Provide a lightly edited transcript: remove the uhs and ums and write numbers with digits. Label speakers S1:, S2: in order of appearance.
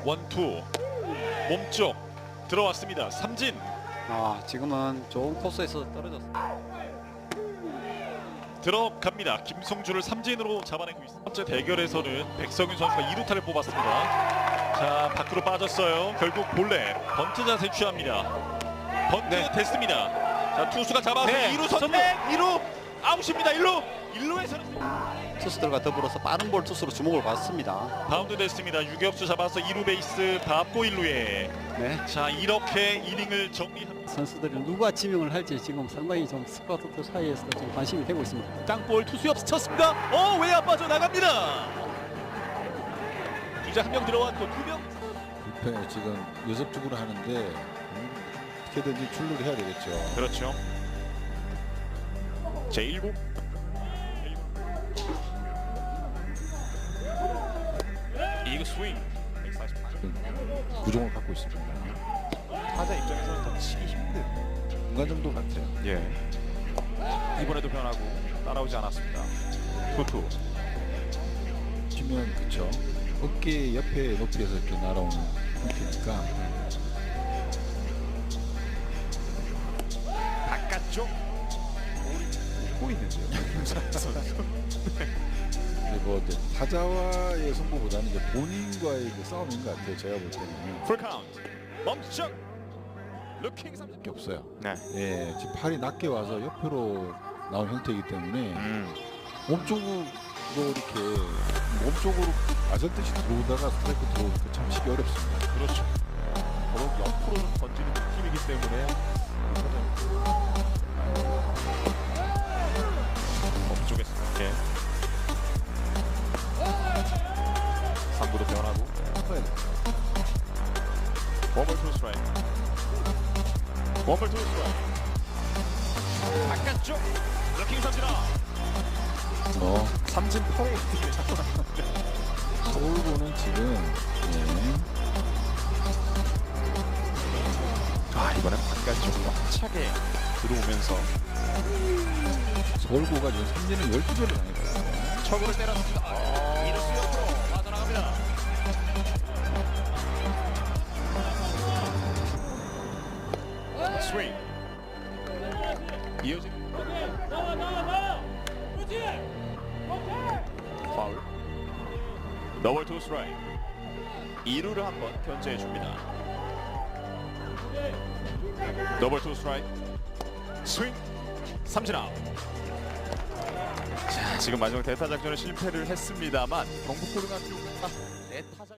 S1: 원투 몸쪽 들어왔습니다. 삼진
S2: 지금은 좋은 코스에서 떨어졌어.
S1: 들어갑니다. 김성주를 삼진으로 잡아내고 있습니다. 첫 번째 대결에서는 백성윤 선수가 2루타를 뽑았습니다. 자, 밖으로 빠졌어요. 결국 볼넷 번트 자세 취합니다. 번트 됐습니다. 자, 투수가 잡아서 2루 선택 2루 아웃입니다. 1루에서는
S2: 투수들과 더불어서 빠른 볼 투수로 주목을 받습니다.
S1: 바운드 됐습니다. 유격수 잡아서 2루 베이스 밟고 1루에
S2: 네.
S1: 자, 이렇게 이닝을 정리합니다.
S2: 선수들이 누가 지명을 할지 지금 상당히 좀 스카우트들 사이에서 좀 관심이 되고 있습니다.
S1: 땅볼 투수 옆 쳤습니다. 외야 빠져 나갑니다. 주자 한 명 들어왔고 2명.
S3: 불펜 지금 여섭적으로 하는데 어떻게든지 출루를 해야 되겠죠.
S1: 그렇죠. 제1구 이거 스윙 148.
S3: 구종을 갖고 있습니다.
S1: 타자 입장에서는 더 치기 힘든.
S3: 중간 정도 같아요.
S1: 예. 이번에도 변하고 따라오지 않았습니다. 투투.
S3: 치면 그쵸. 어깨 옆에 높이에서 이렇게 날아오는 형태니까
S1: 바깥쪽 볼이 웃고 있는데요.
S3: 근데 뭐 이제 타자와의 승부보다는 이제 본인과의 그 싸움인 것 같아요. 제가 볼 때는
S1: 풀 카운트. 멈춰. 루킹 삼진.
S3: 게 없어요.
S1: 네.
S3: 예, 지금 팔이 낮게 와서 옆으로 나온 형태이기 때문에 몸쪽으로 이렇게 몸쪽으로 아전듯이 들어오다가 스트라이크 들어오니까 참 치기 어렵습니다.
S1: 그렇죠. 더욱 옆으로 던지는 팀이기 때문에 몸쪽에서 이렇게 3구도 변하고 원볼 투 스트라이크. 원볼 투 스트라이크. 바깥쪽 루킹 삼진아. 삼진 퍼레이드를 자꾸 나오는데.
S3: 서울고는 지금
S1: 이번엔 바깥쪽으로 차게 들어오면서
S3: 서울고가 지금 삼진을 12개를 당했거든요.
S1: 척으로 때렸습니다. 이루수 옆으로 빠져나갑니다. 스윙. 이어진 파울. 더블 투 스트라이크. 2루를 한번 견제해 줍니다. 더블 투 스트라이크. 스윙. 삼진 아웃. 자, 지금 마지막 대타 작전을 실패를 했습니다만 경북 고등학교가 내 타자